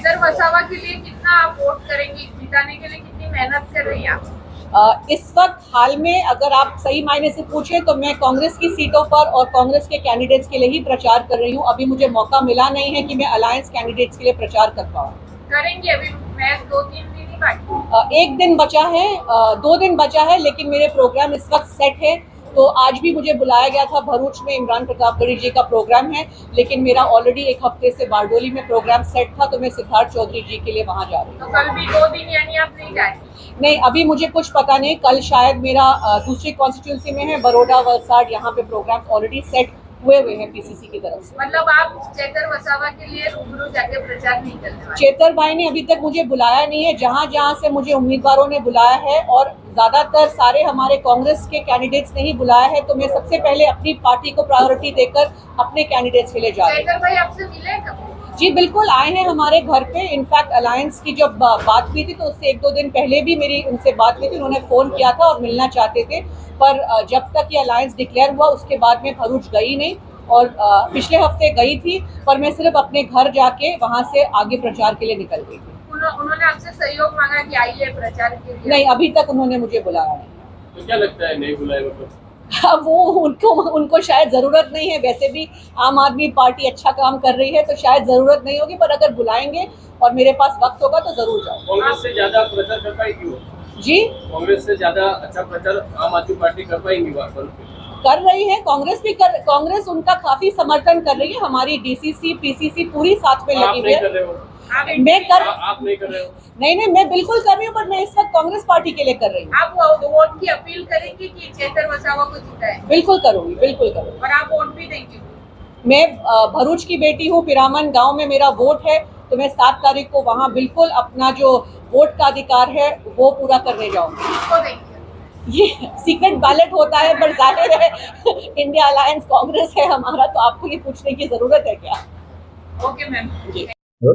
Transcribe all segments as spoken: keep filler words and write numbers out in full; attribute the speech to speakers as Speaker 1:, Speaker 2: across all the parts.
Speaker 1: चेतर वसावा के लिए कितना आप वोट करेंगे, जिताने के लिए कितनी मेहनत कर रही हैं आप?
Speaker 2: Uh, इस वक्त हाल में अगर आप सही मायने से पूछे तो मैं कांग्रेस की सीटों पर और कांग्रेस के कैंडिडेट्स के लिए ही प्रचार कर रही हूँ। अभी मुझे मौका मिला नहीं है कि मैं अलायंस कैंडिडेट्स के लिए प्रचार कर पाऊँ।
Speaker 1: करेंगे, अभी मैच दो तीन दिन ही बाकी।
Speaker 2: uh, एक दिन बचा है, uh, दो दिन बचा है, लेकिन मेरे प्रोग्राम इस वक्त सेट है। तो आज भी मुझे बुलाया गया था, भरूच में इमरान प्रतापगढ़ी जी का प्रोग्राम है, लेकिन मेरा ऑलरेडी एक हफ्ते से बारडोली में प्रोग्राम सेट था, तो मैं सिद्धार्थ चौधरी जी के लिए वहां जा रही हूँ।
Speaker 1: तो कल भी दो दिन यानी आप नहीं जा रही?
Speaker 2: नहीं, अभी मुझे कुछ पता नहीं। कल शायद मेरा दूसरी कॉन्स्टिट्यूंसी में है, बरोडा वलसाड, यहाँ पे प्रोग्राम ऑलरेडी सेट हुए हुए हैं पीसीसी की तरफ से।
Speaker 1: मतलब आप चेतर वसावा के लिए रूबरू जाके प्रचार नहीं करने वाले?
Speaker 2: चेतर भाई ने अभी तक मुझे बुलाया नहीं है। जहाँ जहाँ से मुझे उम्मीदवारों ने बुलाया है, और ज्यादातर सारे हमारे कांग्रेस के कैंडिडेट्स ने ही बुलाया है, तो मैं सबसे पहले अपनी पार्टी को प्रायोरिटी देकर अपने कैंडिडेट्स के लिए जा रही हूँ।
Speaker 1: चेतर भाई आपसे मिले कब?
Speaker 2: जी बिल्कुल, आए हैं हमारे घर पे। इनफैक्ट अलायंस की जब बात हुई थी तो उससे एक दो दिन पहले भी मेरी उनसे बात हुई थी। उन्होंने फोन किया था और मिलना चाहते थे, पर जब तक ये अलायंस डिक्लेयर हुआ उसके बाद में भरूच गई नहीं, और पिछले हफ्ते गई थी, पर मैं सिर्फ अपने घर जाके वहाँ से आगे प्रचार के लिए निकल गई थी।
Speaker 1: उन्होंने आपसे सहयोग मांगा कि आइए प्रचार के लिए?
Speaker 2: नहीं, अभी तक उन्होंने मुझे बुलाया नहीं।
Speaker 3: तो क्या लगता है नहीं बुलाए मतलब?
Speaker 2: अब वो उनको उनको शायद जरूरत नहीं है। वैसे भी आम आदमी पार्टी अच्छा काम कर रही है, तो शायद जरूरत नहीं होगी, पर अगर बुलाएंगे और मेरे पास वक्त होगा तो जरूर जाऊंगा।
Speaker 3: कांग्रेस से ज्यादा प्रचार कर पाएगी वो?
Speaker 2: जी,
Speaker 3: कांग्रेस से ज्यादा अच्छा प्रचार आम आदमी पार्टी कर पाएंगी वहाँ पर?
Speaker 2: कर रही है कांग्रेस भी कर कांग्रेस उनका काफी समर्थन कर रही है। हमारी डीसीसी पीसीसी पूरी साथ में लगी हुई है। मैं कर
Speaker 3: आ, आप नहीं कर रहे हो?
Speaker 2: नहीं नहीं, मैं बिल्कुल कर रही हूँ, पर मैं इस वक्त कांग्रेस पार्टी के लिए कर रही हूँ।
Speaker 1: आप वोट की अपील करेंगे कि चेतर वसावा को जिताए?
Speaker 2: बिल्कुल करूंगी, बिल्कुल करूंगी।
Speaker 1: और आप वोट भी देंगे?
Speaker 2: मैं भरूच की बेटी हूँ, पिरामन गांव में मेरा वोट है, तो मैं सात तारीख को वहाँ बिल्कुल अपना जो वोट का अधिकार है वो पूरा करने जाऊंगी।
Speaker 1: किसको देंगे?
Speaker 2: ये सीक्रेट बैलेट होता है, पर जाहिर है इंडिया अलायंस कांग्रेस है हमारा, तो आपको ये पूछने की जरूरत है क्या?
Speaker 1: Okay ma'am.
Speaker 2: जी।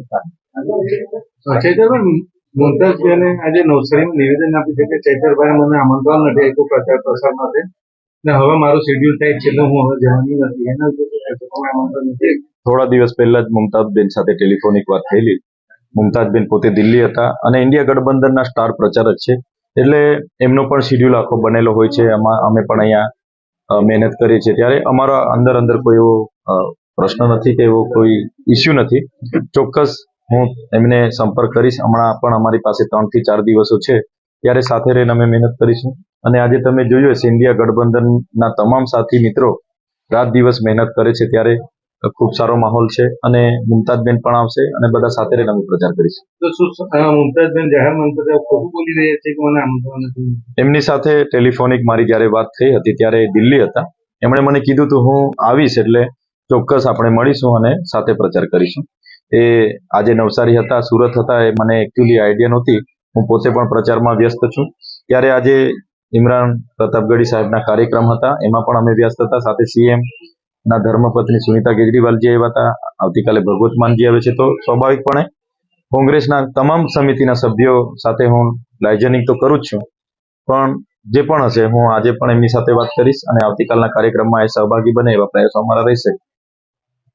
Speaker 4: ચૈતરભાઈ, મુમતાઝબેને આજે નવસારીમાં નિવેદન આપ્યું છે કે ચૈતરભાઈ મને આમંત્રણ નથી આપ્યું પ્રચાર પ્રસાર માટે, ને હવે મારું શેડ્યુલ થાય છે એટલે હું હવે જવાની નથી, એના વિશે આમંત્રણ નથી?
Speaker 5: થોડા દિવસ પહેલા જ મુમતાઝબેન સાથે ટેલિફોનિક વાત થયેલી. મુમતાઝબેન પોતે દિલ્હી હતા અને ઇન્ડિયા ગઠબંધનના સ્ટાર પ્રચારક છે, એટલે એમનો પણ શેડ્યુલ આખો બનેલો હોય છે. અમે પણ અહીંયા મહેનત કરીએ છીએ, ત્યારે અમારા અંદર અંદર કોઈ એવો પ્રશ્ન નથી કે એવો કોઈ ઇસ્યુ નથી. ચોક્કસ હું એમને સંપર્ક કરીશ. હમણાં પણ અમારી પાસે ત્રણ થી ચાર દિવસો છે, ત્યારે સાથે રહીને અમે મહેનત કરીશું. અને આજે તમે જોયું હશે ઇન્ડિયા ગઠબંધનના તમામ સાથી મિત્રો રાત દિવસ મહેનત કરે છે, ત્યારે ખૂબ સારો માહોલ છે અને મુમતાઝબેન પણ આવશે અને બધા સાથે રહીને અમે પ્રચાર કરીશું.
Speaker 4: તો શું મુમતાઝબેન જાહેર મંતવ્ય ખોટું બોલી રહ્યા છે કે મને આમંત્રણ નથી?
Speaker 5: એમની સાથે ટેલિફોનિક મારી જયારે વાત થઈ હતી ત્યારે દિલ્હી હતા. એમણે મને કીધું હતું હું આવીશ એટલે ચોક્કસ આપણે મળીશું અને સાથે પ્રચાર કરીશું. એ આજે નવસારી હતા, સુરત હતા, એ મને એકચ્યુઅલી આઈડિયા નહોતી. હું પોતે પણ પ્રચારમાં વ્યસ્ત છું. ત્યારે આજે ઇમરાન પ્રતાપગઢી સાહેબના કાર્યક્રમ હતા, એમાં પણ અમે વ્યસ્ત હતા. સાથે સીએમ ના ધર્મપત્ની સુનિતા કેજરીવાલજી આવ્યા હતા. આવતીકાલે ભગવત માનજી આવે છે, તો સ્વાભાવિકપણે કોંગ્રેસના તમામ સમિતિના સભ્યો સાથે હું લાયજનિંગ તો કરું જ છું, પણ જે પણ હશે હું આજે પણ એમની સાથે વાત કરીશ અને આવતીકાલના કાર્યક્રમમાં એ સહભાગી બને એવા પ્રયાસો અમારા રહેશે.